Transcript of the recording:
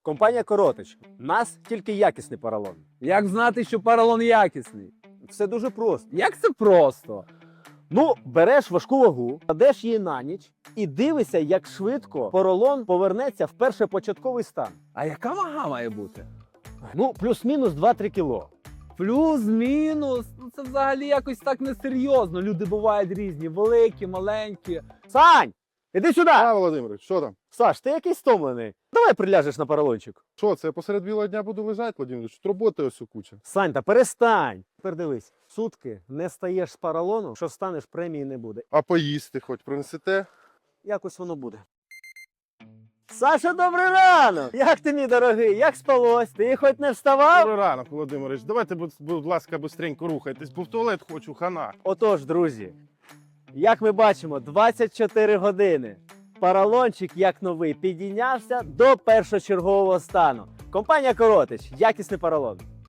Компанія Коротич. Нас тільки якісний поролон. Як знати, що поролон якісний? Все дуже просто. Як це просто? Ну, береш важку вагу, кладеш її на ніч і дивишся, як швидко поролон повернеться в першопочатковий стан. А яка вага має бути? Ну, плюс-мінус 2-3 кіло. Плюс-мінус. Ну це взагалі якось так несерйозно. Люди бувають різні, великі, маленькі. Сань, іди сюди! Володимирович, що там? Саш, ти якийсь стомлений. Давай приляжеш на поролончик. Що, це я посеред білого дня буду лежати, Володимирович? Тут роботи ось у куча. Сань, та перестань. Тепер дивись, сутки не стаєш з поролону, що станеш, премії не буде. А поїсти хоч принесете? Якось воно буде. Саша, добрий ранок! Як ти, мій дорогий? Як спалось? Ти хоч не вставав? Добрий ранок, Володимирович. Давайте, будь ласка, быстренько рухайтесь, бо в туалет хочу, хана. Отож, друзі, як ми бачимо, 24 години. Поролончик, як новий, підійнявся до першочергового стану. Компанія Коротич. Якісний поролон.